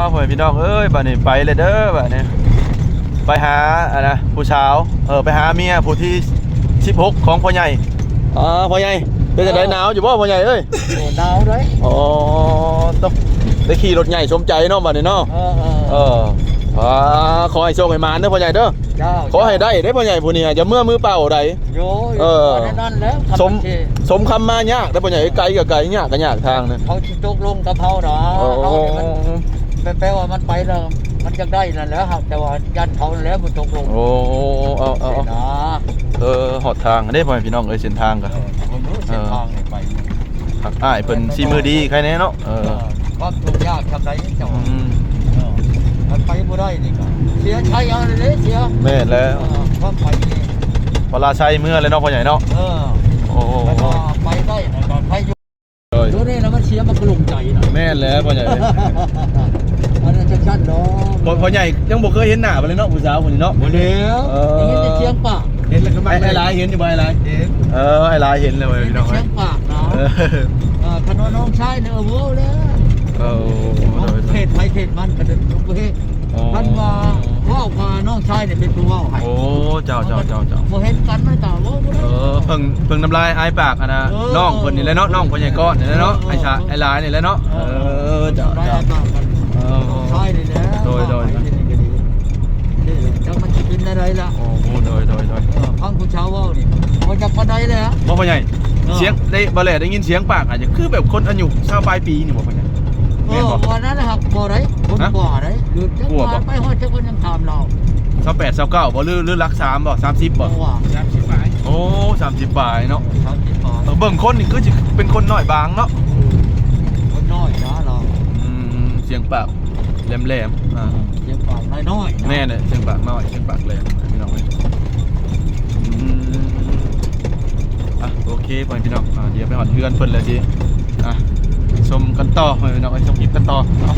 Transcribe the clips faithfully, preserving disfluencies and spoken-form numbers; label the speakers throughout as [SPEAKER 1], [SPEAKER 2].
[SPEAKER 1] พ่อพี่น้องเอ้ยบัดนี้ไปเลยเด้อบัดนี้ไปหาอะนะผู้สาวเออไปหาเมียผู้ที่สิบหกของพ่อใหญ่อ๋อพ่อใหญ่เป็นจังได๋หนาวอยู่บ่พ่อใหญ่เอ้ย
[SPEAKER 2] โอ้หนาวเด้
[SPEAKER 1] อ๋อต้องได้ขี่รถใหญ่สมใจเนาะบัดนี้เนาะ
[SPEAKER 2] เออ
[SPEAKER 1] เอออ่าขอให้โชคให้มานเด้อพ่อใหญ่เด้อขอให้ได้เด้อพ่อใหญ่ผู้นี้อย่าเมื่อมือเปล่าใด
[SPEAKER 2] โยเออนั่นแล้ว
[SPEAKER 1] สมสมคำมายากเด้อพ่อใหญ่ไกลก็ไกลยากก็ยากทางนึง
[SPEAKER 2] เขาสิตกลงกับเฮาเนาะเฮานี่มันแปลว่ามันไปแล้วมันจะได้นั่นแหละครับแต่ว่ายันเขาแล้วบ่ตกลง
[SPEAKER 1] โอ้เอาเอานะเออหอดทางได้พ่อพี่น้องเอ้ยเส้นทางก็
[SPEAKER 2] ผมรู้เส้นทางนี่ไป
[SPEAKER 1] หักอ้ายเพิ่นสิมือดีใครแน่เนาะเออ
[SPEAKER 2] ความทุกข์ยากทำไดเจ้ามันไปบ่ได้นี่ก็เสียชัยเอาเลยเด้เสีย
[SPEAKER 1] แม่นแล้ว
[SPEAKER 2] ความไปนี่
[SPEAKER 1] พลาชัยเมื่อเลยเนาะพ่อใหญ่เนาะ
[SPEAKER 2] เออโอ้ไปได้นะก่อนไปอยู่ดูนี่แล้วมันเสียมันกระลุงใจน่ะ
[SPEAKER 1] แม่นแล้วพ่อใหญ่
[SPEAKER 2] อันนั้นชัดๆเนาะ
[SPEAKER 1] พ่อใหญ่ยังบ่เคยเห็นหน้าเลยเนาะผู้สาวคนนี้เนาะ
[SPEAKER 2] บ่แล้วเห็นแต่เสียงปาก
[SPEAKER 1] เห็นแล้วก็มาไอ้ลายเห็นอยู่บ่ไอ้ลายเห็นเออไอ้ลายเห็นเลยพี่น้อง
[SPEAKER 2] เสียงปากเนาะเออคันว่าน้องชายเนี่ยโอ้โหแล้ว
[SPEAKER 1] เออ
[SPEAKER 2] เพศไปเพศมันกระเด็นทุกประเภทมันว่าว่าว่าน้องชายเนี่ยเป็นผู้ว่าให้
[SPEAKER 1] โอ้เจ้าเจ้าเจ้าเจ้า
[SPEAKER 2] บ่เห็นกันไม่ต่างว่า
[SPEAKER 1] เออเพิ่งเพิ่งน้ำลายไอ้ปากอ่ะนะน้องคนนี้แหละเนาะน้องคนใหญ่ก้อนนี่แหละเนาะไอ้ชาไอ้ลายนี่แหละเนาะเออเจ้าเจ้า
[SPEAKER 2] ใช่เลยนะ
[SPEAKER 1] โดยโดย
[SPEAKER 2] จังมันจะกินอะไรล่ะ
[SPEAKER 1] โอ้โหโดยโดยโดย
[SPEAKER 2] ฟังผู้ชาวว่านี่มันจะปานใดเลยฮะ
[SPEAKER 1] บ่พ่อใหญ่เสียงได้บ่แลได้ยินเสียงปากอาจจะคือแบบคนอายุชาวปลายปีนี่บ่พ่อใหญ่
[SPEAKER 2] เออวันนั้นนะครับบ่ได้คนบ่ได้หรือจังหวัดไปฮอดจังคนยังถามเรา
[SPEAKER 1] สามแปดสามเก้าบ่หรือหรือรักสามบ่สามสิบบ่
[SPEAKER 2] สามสิบปลาย
[SPEAKER 1] โอ้สามสิบปลายเนาะ
[SPEAKER 2] สามสิบปลาย
[SPEAKER 1] เบิ่งคนนี่คือสิเป็นคนน้อยบางเนาะ
[SPEAKER 2] คนน้อยนะเรา
[SPEAKER 1] อืมเสียงปากแหลมๆอ่า
[SPEAKER 2] เสียงปากน้อย
[SPEAKER 1] ๆแม่เนี่ยเสียงปากน้อยเสียงปากแหลมพี่น้องเอ้ยอืมอ่ะโอเคพ่อพี่น้องอ่าเดี๋ยวไปหอดเฮือนเพิ่นแล้วสิอ่ะชมกันต่อพ่อพี่น้องชมคลิปกันต่อเนาะ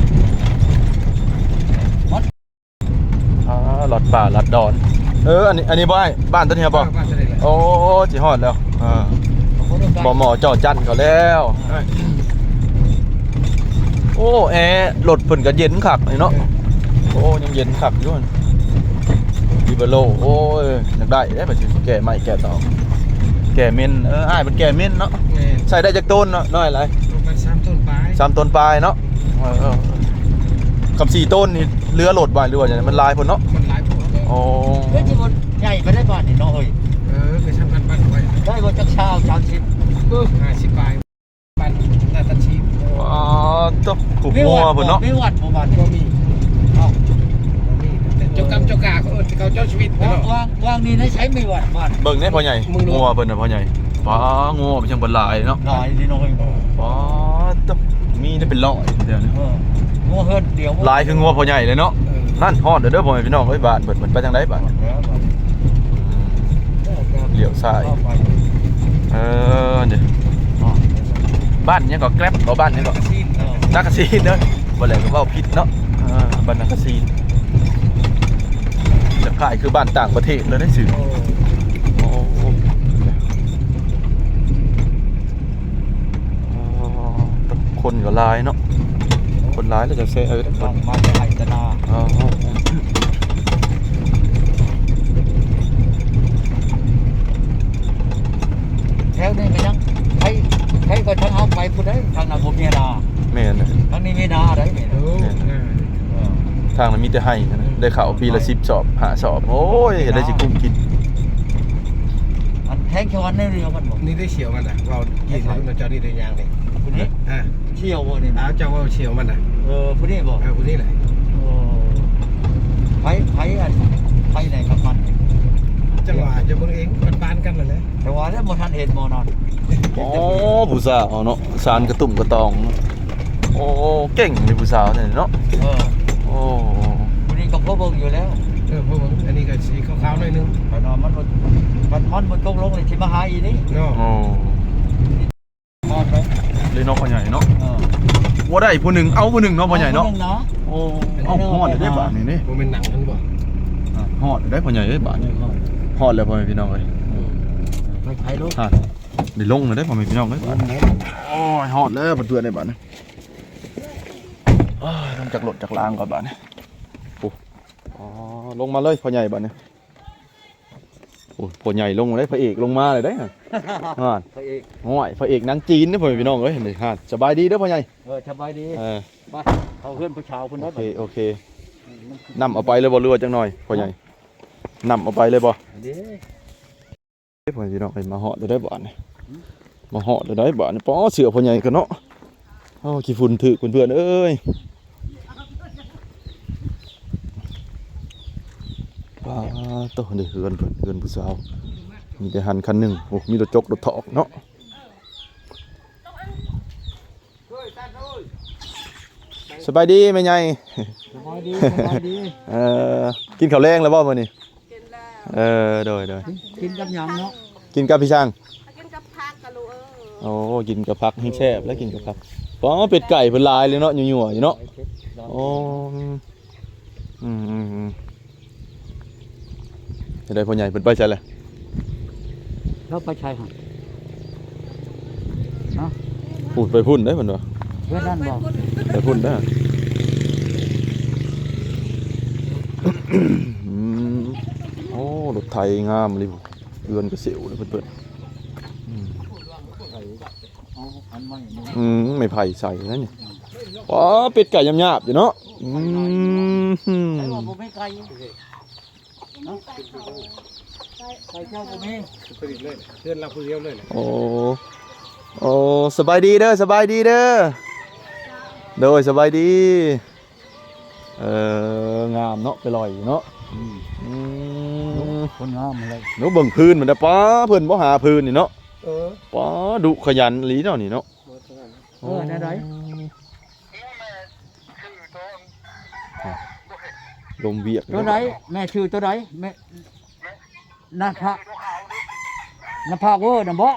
[SPEAKER 1] อ่าหลอดป่าหลอดดอนเอออันนี้อันนี้บ่ไอ้บ้านตัวนี้บ่โอ้สิฮอดแล้วอ่าบ่หมอจอจันเขาแล้วโอ้แอร์รถเพิ่นก็เย็นคักเนาะโอ้ยังเย็นคักอยู่ดิเบโลโอ้ยอยากได้ได้บัดสิแก่ใหม่แก่ต่อแก่เม่นเอออ้ายมันแก่เม่นเนาะใส่ได้จักต้นเนาะน้อยหลาย
[SPEAKER 2] มันสามต้นปลาย
[SPEAKER 1] สามต้นปลายเนาะเออกับสี่ต้นนี่เรือโหลดไว้หรือว่าจังได๋มันลายพุ่นเนาะ
[SPEAKER 2] มันลายพุ่น
[SPEAKER 1] โอ้
[SPEAKER 2] เฮ้ยสิบ่ใหญ่ไปได้บ้านนี่เนาะเอ้ยเออไปทำกันบ้านไว้ได้บ่จักเช้าสามสิบเออห้าสิบปลายบ้านน่าตัดชีพ
[SPEAKER 1] อ๋อตกขุบงัวพุ่นเนาะ
[SPEAKER 2] มีวัดบ่บ้านบ่มีเอ้าบ่มีแต่เจ้ากรรมเจ้ากาเขาเอิ้นเขาเจ้าชีวิตเนาะวางวางนี่ใช้มีวัดบ้าน
[SPEAKER 1] เบิ่งแน่พ่อใหญ่งัวเพิ่นน่ะพ่อใหญ่ป๋างัวมันจังบ่หลายเนาะ
[SPEAKER 2] หลายนี่เนาะ
[SPEAKER 1] ป๋าตกมีได้เป็นร้อยเดี๋ยวนี้
[SPEAKER 2] งัวเฮือนเดียว
[SPEAKER 1] ลายคืองัวพ่อใหญ่เลยเนาะนั่นฮอดเด้อเด้อพ่อแม่พี่น้องเอ้ยบ้านเบิดมันไปทางใดบ้านเลี้ยวซ้ายเออเด้อบ้านยังก็แกร็บก็บ้านยังก็นักซีนเด้อบ่แล้วก็เว้าผิดเนาะเออบ้านนักซีนจะขายคือบ้านต่างประเทศเลยได้ซื่อโอ้คนก็หลายเนาะคนร้ายแล้วจะเซ่เออ
[SPEAKER 2] คนมาจะไหตนาอ๋อแถวนี้ก็ยังใครใครก็ทางเอาไปผู้ใดทางนั้นบ่มีนา
[SPEAKER 1] แม่น
[SPEAKER 2] ทางนี้มีนาได้แม่
[SPEAKER 1] ทางนั้นมีแต่ให้นะได้ข้าวปีละสิบสอบห้าสอบโอ้ยเห็นได้สิกุ้มกิน
[SPEAKER 2] อันแทงชวันนี่เรียวมันบ่
[SPEAKER 3] นี่ได้เฉียวมันน่ะเรายิงมันเจ้านี่ได้ยางนี่
[SPEAKER 2] ผู้นี้ฮะเชี่ยวบ่นี่
[SPEAKER 3] อ้าวเจ้าว่าเฉียวมันน่ะ
[SPEAKER 2] เออผู้นี้บ่
[SPEAKER 3] เออผู้นี้แหละ
[SPEAKER 2] โอ้ไผไผอันไผไหนกับมัน
[SPEAKER 3] จังหวะจะเบิ่งเองมันปานกันนั่นแหละ
[SPEAKER 2] แต่ว่าแล้วบ่ทันเห็นบ่นอน
[SPEAKER 1] อ๋อผู้สาวเนาะสารกระตุ่มกระตองโอ้เก่งเลยผู้สาวเนี่ยเนาะ
[SPEAKER 2] เออ
[SPEAKER 1] โอ้
[SPEAKER 2] ผู้นี้ก็พอเบิ่งอยู่แล้ว
[SPEAKER 3] เออพอเบิ่งอันนี้ก็สีขาวๆหน่อยนึง
[SPEAKER 2] เพราะมันมันมันมันตกลงเลยสิมาหาอีนี่
[SPEAKER 3] เนาะ
[SPEAKER 1] โอ้
[SPEAKER 2] ฮอดเลย
[SPEAKER 1] เลยน้องพ่อใหญ่เนาะเออว่าได้ผู้หนึ่งเอาผู้หนึ่งเนาะพ่อใหญ่เนาะโอ้เอาฮอดได้บาทนี่นี่
[SPEAKER 3] บ่แม่นหนังมันบ่
[SPEAKER 1] ฮอดได้พ่อใหญ่เอ้ยบาทนี่ฮอดแล้วพ่อแม่พี่น้องเอ้ย
[SPEAKER 2] ไปไผลูก
[SPEAKER 1] ฮะได้ลงเลยได้พ่อแม่พี่น้องเอ้ยบาทโอ้ยฮอดแล้วบัดเตือนได้บาทนี่อ้ายลงจากรถจากรางก่อนบ้านนี่โอ้อ๋อลงมาเลยพ่อใหญ่บ้านนี่โอ้พ่อใหญ่ลงมาเลยพระเอกลงมาเลยได้ฮะฮะ
[SPEAKER 2] พระเอก
[SPEAKER 1] ห่วยพระเอกหนังจีนนี่พ่อพี่น้องเอ้ยนี่ฮะสบายดีเด้อพ่อใหญ่
[SPEAKER 2] เออสบายดี
[SPEAKER 1] เออ
[SPEAKER 2] มาเขาเพื่อนผู้ชาวเพิ่น
[SPEAKER 1] โอ
[SPEAKER 2] ได้
[SPEAKER 1] เคโอเคนำเอาไปเลยบ่เรือจังหน่อยพ่อใหญ่นำเอาไปเลยบ่
[SPEAKER 2] เด้
[SPEAKER 1] เฮ้ยพ่อพี่น้องเอ้ยมาเหาะได้ได้บ่นี่มาเหาะได้ได้บ่นี่ป๋อเสือพ่อใหญ่กันเนาะโอ้ขี้ฝุ่นถึกเพื่อนๆเอ้ยป้าโตเด้อเฮือนเพิ่นเฮือนผู้สาวมีแต่หันคันหนึงโอ้มีรถจกรถถอกเนาะสบายดีแม่ใหญ่
[SPEAKER 2] สบายดีสบายดี
[SPEAKER 1] เออกินข้าวแรงแล้วบ่มื้อนี้
[SPEAKER 4] กินแล้ว
[SPEAKER 1] เออโดยโดย
[SPEAKER 2] กินกับหยังเนาะ
[SPEAKER 1] กินกับพี่ช่าง
[SPEAKER 4] กินกับผักกะลูกเออ
[SPEAKER 1] โอ้กินกับผักให้แซ่บแล้วกินกับผักป๋อเป็ดไก่เพิ่นลายเลยเนาะยั่วๆอยู่เนาะโอ้อืมอืมอืมจะได้พ่อใหญ่เพิ่นไปใช่แหละ
[SPEAKER 2] แล้วไปชายหาด
[SPEAKER 1] พูดไปพุ่นได้เพิ่นว่า
[SPEAKER 2] เพื่อนนั่นบอก
[SPEAKER 1] ไปพุ่นเด้ออืมโอ้รถไทยงามเลยเรือนกระเสียวเลยเพิ่นๆอืม
[SPEAKER 2] เอาอันใหม่นี่
[SPEAKER 1] อืมไม่ไผ่ใส่แล้วนี่ป๋อเป็ดไก่ยำหยาบอยู่เนาะอืม
[SPEAKER 2] ใช่ว่าบ่มีไก่เนาะไก่เจ้าบ่มี
[SPEAKER 3] ผลิตเลยเพื่อนเราผู้เดียวเลยแหละ
[SPEAKER 1] โอ้โอ้สบายดีเด้อสบายดีเด้อโดยสบายดีเอองามเนาะไปลอยอยู่เนาะ
[SPEAKER 2] อืม
[SPEAKER 1] อืม
[SPEAKER 2] คนงามเลย
[SPEAKER 1] หนูเบิ่งพื้นมันนะป้าเพิ่นบ่หาพื้นนี่เนาะ
[SPEAKER 3] เออ
[SPEAKER 1] ป้าดุขยันอีหลีเนาะนี่เนาะ
[SPEAKER 2] เออได้ได
[SPEAKER 1] ลมเวียก
[SPEAKER 2] ตัวใดแม่ชื่อตัวใดแม่นาภานาภาเวอร์น่ะบ่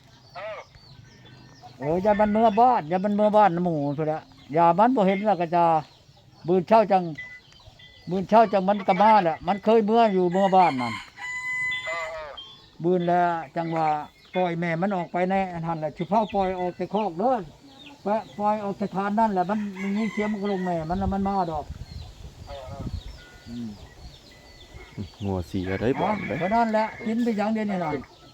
[SPEAKER 2] เอออย่ามันเมื่อบ้านอย่ามันเมื่อบ้านน้ำหมูพุ่นละอย่ามันบ่เห็นแล้วก็จะบืนเช่าจังบืนเช่าจังมันก็มาแหละมันเคยเมื่ออยู่เมื่อบ้านนั่นบืนแล้วจังว่าปล่อยแม่มันออกไปในอันนั้นแหละชุเผาปล่อยออกแต่คอกเด้อปะปล่อยออกแต่ทานนั่นแหละมันมันยิงเสียงมันก็ลงแม่มันแล้วมันมาดอกอืม
[SPEAKER 1] งัวเสียได้บ่
[SPEAKER 2] อ๋อ
[SPEAKER 1] ได้
[SPEAKER 2] เพราะนั่นแหละกินไปอย่างเดียวนี่น่ะ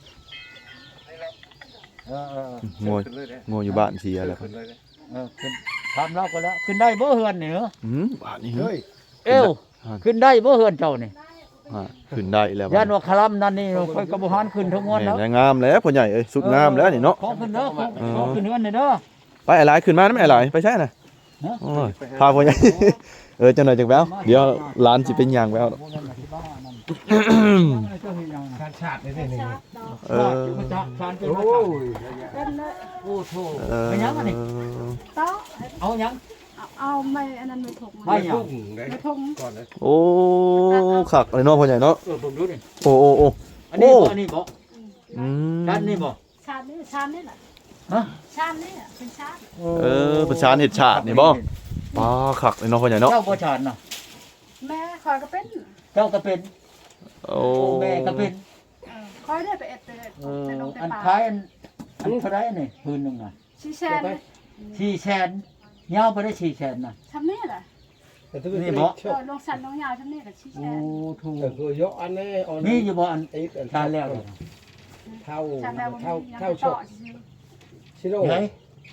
[SPEAKER 2] เออเออ
[SPEAKER 1] งัวงัวอยู่บ้านเสียแล้ว
[SPEAKER 3] ขึ้นเลยนะ
[SPEAKER 2] เออขึ้นทำแล้วก็แล้วขึ้นได้บ่เฮือนนี่เหรอ
[SPEAKER 1] อืมบ้านนี้เฮ้
[SPEAKER 3] เฮ้
[SPEAKER 1] ย
[SPEAKER 3] ย
[SPEAKER 2] เอ้วขึ้นได้บ่เฮือนเจ้านี่
[SPEAKER 1] ฮะขึ้นได้แล้ว
[SPEAKER 2] ย่านว่าคลำนั่นนี่ค่อยกระบ่หานขึ้นทั้งมวลแล้ว
[SPEAKER 1] แม่นงามแล้วพ่อใหญ่เอ้ยสุดงามแล้วนี่เนาะ
[SPEAKER 2] ขอขึ้นเด้อขอขอขึ้นเฮือนนี่เด้อ
[SPEAKER 1] ไปอะไรขึ้นมานะไม่อะไรไปใช่น่ะ
[SPEAKER 2] ฮะ
[SPEAKER 1] โอ้ยพาพ่อใหญ่ เออจังหน่อยจังแววเดี๋ยวร้านสิเป็นยางแวว
[SPEAKER 2] บ่นั่นน่ะที่บ้านนั่นเจ้าเฮ็ดหยังน่ะ
[SPEAKER 3] การชาติในนี่นี่
[SPEAKER 1] เออ
[SPEAKER 2] มันจะทานเป็น
[SPEAKER 3] โอ้
[SPEAKER 2] ว่า
[SPEAKER 3] ย
[SPEAKER 4] เป็นเลย
[SPEAKER 2] โอ้โธ่
[SPEAKER 1] เออ
[SPEAKER 2] เป็นหยังอันนี้
[SPEAKER 4] เต้า
[SPEAKER 2] เอาหยัง
[SPEAKER 4] เอาเอาไม่อันนั้นไม่ถก
[SPEAKER 2] ไม่
[SPEAKER 4] มา
[SPEAKER 2] หยัง
[SPEAKER 3] พุ่งเลย
[SPEAKER 4] ไม่ถก
[SPEAKER 3] ก่อนเลย
[SPEAKER 1] โอ้ขักอะไรเนาะพ่อใหญ่เนาะ
[SPEAKER 2] เออผมดูดิ
[SPEAKER 1] โอ้โอ้โอ้
[SPEAKER 2] อันนี้
[SPEAKER 1] โอ้
[SPEAKER 2] บ่อันนี้บ่
[SPEAKER 1] อืม
[SPEAKER 2] ด้านนี้บ่
[SPEAKER 4] ชาตินี่ชาตินี่แหละ
[SPEAKER 2] ฮะ
[SPEAKER 4] ชาตินี่อะเป็นชาติ
[SPEAKER 1] เออประชานเห็ดฉาดนี่บ่ป้าขักเลยเนาะพ่อใหญ่เนาะ
[SPEAKER 2] เจ้าบ่ชานน่ะ
[SPEAKER 4] แม่คอยก็เป็น
[SPEAKER 2] เจ้าก็เป็น
[SPEAKER 1] โอ้
[SPEAKER 2] แม่ก็เป็น
[SPEAKER 4] เออคอยได้ไปเอ็ดเตย
[SPEAKER 2] เออ
[SPEAKER 4] แต่ลงแต่
[SPEAKER 2] อัน
[SPEAKER 4] ป่า
[SPEAKER 2] ท้ายอันอันเท่าไรนี่พื้นหนึงน่ะ
[SPEAKER 4] ชี้แชน
[SPEAKER 2] สี่แสนยาวไปได้สี่แสนน่ะ
[SPEAKER 4] ทำนี่แหละ
[SPEAKER 3] แต่ถ้า
[SPEAKER 2] นี่
[SPEAKER 3] เป็น
[SPEAKER 2] บ่
[SPEAKER 3] ช
[SPEAKER 4] เออลงสันลงยาวทำนี่แหละชี้แช
[SPEAKER 2] โอ้
[SPEAKER 4] น
[SPEAKER 2] ถูก
[SPEAKER 3] แต่คือยกอันนี้อัน
[SPEAKER 2] มีอยู่บ่อัน
[SPEAKER 3] ไอ้อัน
[SPEAKER 2] ทานแล้วเนี่ย
[SPEAKER 3] เท่า
[SPEAKER 4] ชาติแล้วมัน
[SPEAKER 3] เท่า
[SPEAKER 4] ยัง
[SPEAKER 3] เท่า
[SPEAKER 4] ติด
[SPEAKER 3] ช
[SPEAKER 4] ต่อก
[SPEAKER 3] ชิโร่
[SPEAKER 2] ไหน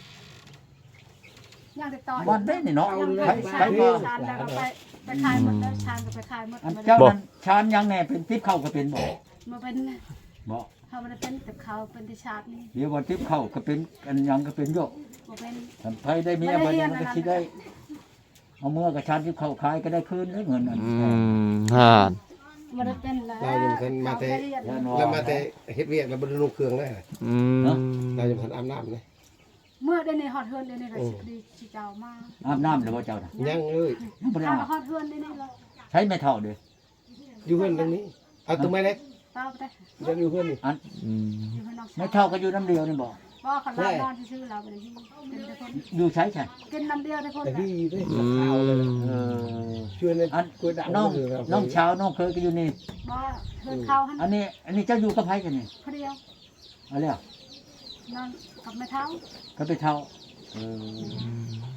[SPEAKER 4] ยังติดต่อ
[SPEAKER 2] วันได้นี่เนาะ
[SPEAKER 4] ยัง
[SPEAKER 2] ใช้
[SPEAKER 4] ไป
[SPEAKER 2] ใช้
[SPEAKER 4] ชา
[SPEAKER 2] มา
[SPEAKER 4] ชาแล้วก็ไปไปขายหมดแล้วชาก็ไปขายหมด
[SPEAKER 2] อัน
[SPEAKER 4] มัน
[SPEAKER 2] เจ้านั้นชานยังแน่เป็นติ๊บเข้าก็เป็นบ่
[SPEAKER 4] มาเป็น
[SPEAKER 2] บ่
[SPEAKER 4] เขาไม่ได้เป็นแต่เขาเป็นที่ชาตินี่
[SPEAKER 2] เดี๋ยวว่าติ๊บเข้าก็เป็นอันยังก็เป็นโยก
[SPEAKER 4] มาเป็น
[SPEAKER 2] อันไผได้มีอะไรมันก็สิได้เอาเมื่อกับชานติ๊บเข้าขายก็ได้คืนได้เงินอัน
[SPEAKER 1] อืมห่าน
[SPEAKER 4] มาได้เป็นแล้ว
[SPEAKER 3] เรายังทันมาแต่
[SPEAKER 4] เรียน
[SPEAKER 3] แล้วมาแต่เฮ็ดเวียกแล้วบ่ได้ลงเครื่องได้
[SPEAKER 1] อืม
[SPEAKER 3] เรายังทันอาบน้ำเลย
[SPEAKER 4] เมื่อได้ในฮอตเฮือนได้ในราชิดีชิเจ้ามา
[SPEAKER 2] อาบน้ำเดี๋ยวว่าเจ้าน่ะ
[SPEAKER 3] ยังเลย
[SPEAKER 2] ยังบ่ได้
[SPEAKER 4] ถ้า
[SPEAKER 2] อาบ
[SPEAKER 4] ฮอตเฮือนได้ในเรา
[SPEAKER 2] ใช้ไม่เท่าเด้อ
[SPEAKER 3] อยู่เพื่อนตรงนี้เอาตรงไม้เล็ก
[SPEAKER 4] เต้าไปได้
[SPEAKER 3] ยังอยู่เพื่อนนี่
[SPEAKER 2] อัน
[SPEAKER 1] อืม
[SPEAKER 4] อยู่ให้น้อง
[SPEAKER 2] ไม่เท่าก็อยู่น้ำเดียวนี่บ่
[SPEAKER 4] ว่าเขาลาบ้านที่ชื่อเราไปเลยที่เป็นแต่คน
[SPEAKER 2] อยู่ใช้ใช่
[SPEAKER 4] กินน้ำเดียวแต่คน
[SPEAKER 3] แต่พี่ได้
[SPEAKER 1] อื
[SPEAKER 3] ข่าวเลย
[SPEAKER 1] ม
[SPEAKER 2] เออ
[SPEAKER 3] ช่วยใน
[SPEAKER 2] อัน
[SPEAKER 3] กล้วยด่าง
[SPEAKER 2] น้องน้องเช้าน้องเคยก็อยู่นี่
[SPEAKER 4] ว่าเฮือนเขาหัน
[SPEAKER 2] อันนี้ อันนี้เจ้าอยู่กับไผกันนี่
[SPEAKER 4] คนเดียว
[SPEAKER 2] เอาแล้ว
[SPEAKER 4] นอนกับแม่เท้า
[SPEAKER 2] ก็ไปเท่าเออ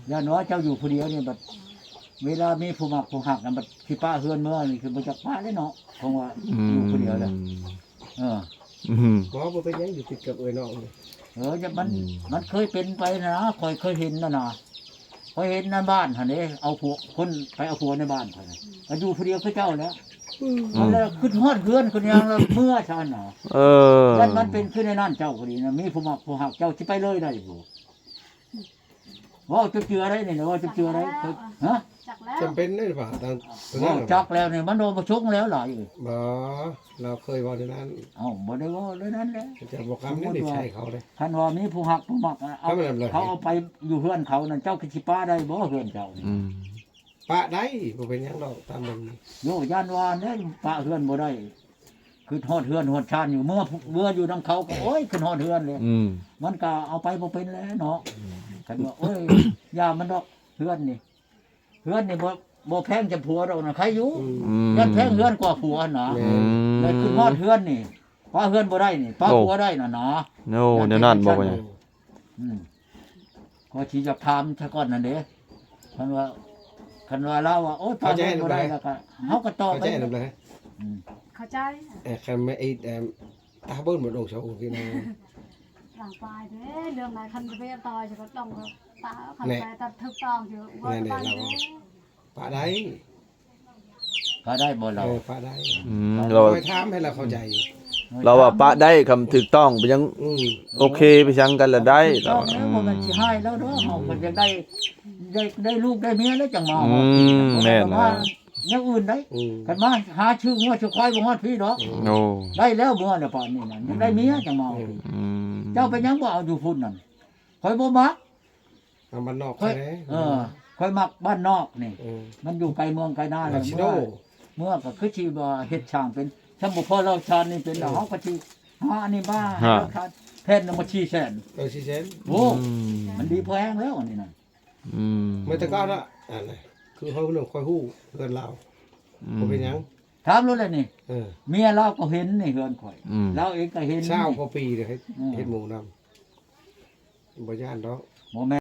[SPEAKER 2] ย่านว่าเจ้าอยู่ผู้เดียวนี่บัดเวลามีผู้มักผู้หักน่ะบัดที่ป้าเฮือนเมื่อนี่คือบ่จักป้าได้เนาะคงว่าอยู่ผู้เดียวแหละเออ
[SPEAKER 1] อืม
[SPEAKER 3] บ่บ่เป็นหยังอยู่ติดกับเอ้ยน้องนี่
[SPEAKER 2] เออจะมันมันเคยเป็นไปนะคอยเคยเห็นนะนะคอยเห็นในบ้านหั่นเด้เอาผัวคนไปเอาผัวในบ้านเพิ่นน่ะก็อยู่ผู้เดียวคือเจ้าแล้วมันแล้วขึ้นฮอดเฮือนคนยังแล้วเมื่อชันน่ะ
[SPEAKER 1] เออ
[SPEAKER 2] แล้วมันเป็นขึ้นในนั่นเจ้าก็ดีนะมีผู้มักผู้หักเจ้าสิไปเลยได้อยู่ว่าจะเจืออะไรนี่นะว่าจะเจืออะไรฮะ
[SPEAKER 4] จักแล้ว
[SPEAKER 3] จำเป็นได้หรือเปล่าตอนตอน
[SPEAKER 2] ว่า
[SPEAKER 3] นั้น
[SPEAKER 2] จักแล้วนี่มันโดนมาชกแล้วหลายอยู่
[SPEAKER 3] บ่เราเคยเว้าในนั้น
[SPEAKER 2] เอ้าบ่ได้ว่าเลยนั้นแหละ
[SPEAKER 3] จะบอกคำนี้ได้ใช่เขาเลย
[SPEAKER 2] ท่านว่ามีผู้หักผู้มักอะเอา
[SPEAKER 3] เอาไปทำอะไร
[SPEAKER 2] เขาเอาไปอยู่เฮือนเขานั่นเจ้าคือสิป้าได้บ่เฮือนเจ้านี่
[SPEAKER 1] อืม
[SPEAKER 3] ปะได้บ่เป็นหยังดอกตามมันนี่
[SPEAKER 2] โยย่านวานเนี่ยป้าเฮือนบ่ได้คือทอดเฮือนหดชานอยู่เมื่อเมื่ออยู่นํเขาก็โอ้ยขึ้นฮอดเฮือนเลย
[SPEAKER 1] อืม
[SPEAKER 2] มันก็เอาไปบ่เป็นแล้วเนาะกันว่าโอ้ย ยามันดอกเฮือนนี่เฮือนนี่บ่บ่แพงจะผัวดอกนะใครอยู่
[SPEAKER 3] อืม
[SPEAKER 1] อืม
[SPEAKER 2] ยันแพงเฮือนกว่าผัวน่ะ
[SPEAKER 3] แม่
[SPEAKER 1] อืม
[SPEAKER 2] เลยขึ้นฮอดเฮือนนี่ป้าเฮือนบ่ได้นี่ป้า
[SPEAKER 1] โอ้
[SPEAKER 2] ผัวได้น่ะเนาะ
[SPEAKER 1] โน่เดี๋ยวนั้นบอกว่าหยัง
[SPEAKER 2] อืมก็สิจะถามซะก่อนนั่นเด้คันว่าคันว่าเราว่าโอ้ยป้าเฮือนบ่ได้แล้วก็เฮาก็ตอบ
[SPEAKER 3] เข้า
[SPEAKER 2] ไป
[SPEAKER 3] ใจนำเลย
[SPEAKER 2] อืม
[SPEAKER 4] เข้าใจ
[SPEAKER 3] เอ่อคันแม่ไอ้เอ่อตาเบิ้ลบ่ดอกเสาพี่น้อง
[SPEAKER 4] หลังปลายเด้เรื่องไหนคันจะไปต่อยจะก็ต้องตาคัน
[SPEAKER 3] แน่
[SPEAKER 4] ไปตัดทึกต้องอยู่ว่า
[SPEAKER 3] แน่
[SPEAKER 4] ไป
[SPEAKER 3] ๆเรา
[SPEAKER 4] เด้
[SPEAKER 3] ปะได้
[SPEAKER 2] ก็ได้บ่เรา
[SPEAKER 3] เออปะได้
[SPEAKER 1] อืมเรา
[SPEAKER 3] ไปถามให้เราเข้าใจ
[SPEAKER 1] เราว่าปะได้คำถูกต้องไปยัง
[SPEAKER 3] อืม
[SPEAKER 1] โอเคไปชังกันละได้
[SPEAKER 2] ต้
[SPEAKER 1] เรา
[SPEAKER 2] องแล้วบ่มันสิให้แล้วเด้อเฮาก็จะได้ได้ได้ลูกได้เมียแล้วจังมา
[SPEAKER 1] อืมแม่น
[SPEAKER 2] ว่า
[SPEAKER 1] นะ
[SPEAKER 2] อย่างอื่นได้
[SPEAKER 3] อืม
[SPEAKER 2] กันมาหาชื่องัวชื่อควายบ่ฮอดพี่ดอก
[SPEAKER 1] โอ้
[SPEAKER 2] ได้แล้วเมื่อน่ะป่านนี้น่ะยังได้เมียจังมาเอา
[SPEAKER 1] อืม
[SPEAKER 2] เจ้าไปยังบ่เอาอยู่พุ่นนั่นข่อยบ่มัก
[SPEAKER 3] เอามันนอก
[SPEAKER 2] ข่อย
[SPEAKER 3] แท้
[SPEAKER 2] เออข่อยมักบ้านนอกนี่
[SPEAKER 3] เออ
[SPEAKER 2] มันอยู่ไกลเมืองไกลนาเล
[SPEAKER 3] มาย ชิโน
[SPEAKER 2] เมื่อเมื่อก็คือสิว่าเฮ็ดช่างเป็นถ้าบ่พอเราชาญนี่เป็นแล้วเฮาก็สิหาอันนี้มาให้เราทานแผ่นนึงมาชี้แสน
[SPEAKER 3] เออสิเซน
[SPEAKER 2] โอ้
[SPEAKER 1] อืม
[SPEAKER 2] มันดีพอแฮงแล้วอันนี้น่ะ
[SPEAKER 1] อืม
[SPEAKER 3] ไม่ตะก้าละอันไหนคือเขาเรื่องคอยฮู้เพื่อนเราบ่เป็นหยัง
[SPEAKER 2] ถามรู้เลยนี่
[SPEAKER 3] เออ
[SPEAKER 2] เมียเราก็เห็นนี่เฮือนข่อย
[SPEAKER 1] อืม
[SPEAKER 2] เราเองก็เห็น
[SPEAKER 3] เช้า
[SPEAKER 2] นี่
[SPEAKER 3] กว่าปีเลยเฮ็ด
[SPEAKER 2] อืม
[SPEAKER 3] เฮ็ดหมูนำบ่ย่านดอก
[SPEAKER 2] บ่แม่น